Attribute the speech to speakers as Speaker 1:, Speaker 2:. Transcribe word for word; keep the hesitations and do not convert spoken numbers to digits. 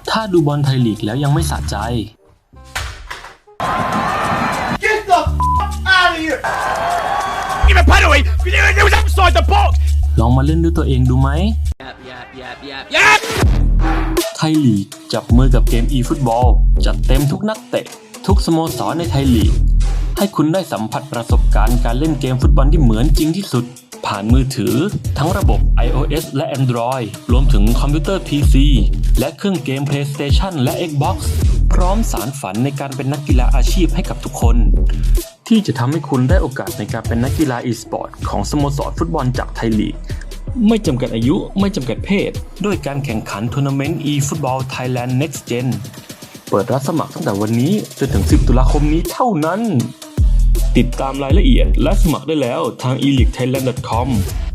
Speaker 1: ถ้าดูบอลไทยลีกแล้วยังไม่สะใจ
Speaker 2: Get the f*** out of here!
Speaker 3: Give a penalty! It was outside the box!
Speaker 1: ลองมาเล่นด้วยตัวเองดูไหม
Speaker 3: Yep, yep, yep, yep, yep!
Speaker 1: ไทยลีกจับมือกับเกม e-football จัดเต็มทุกนักเตะทุกสโมสรในไทยลีกให้คุณได้สัมผัสประสบการณ์การเล่นเกมฟุตบอลที่เหมือนจริงที่สุดผ่านมือถือทั้งระบบ iOS และ Android รวมถึงคอมพิวเตอร์ พี ซี และเครื่องเกม PlayStation และ Xbox พร้อมสารฝันในการเป็นนักกีฬาอาชีพให้กับทุกคนที่จะทำให้คุณได้โอกาสในการเป็นนักกีฬา e-sport ของสโมสรฟุตบอลจากไทยลีกไม่จำกัดอายุไม่จำกัดเพศด้วยการแข่งขันทัวร์นาเมนต์ e-football Thailand Next Gen เปิดรับสมัครตั้งแต่วันนี้จนถึงสิบตุลาคมนี้เท่านั้นติดตามรายละเอียดและสมัครได้แล้วทาง e league thailand dot com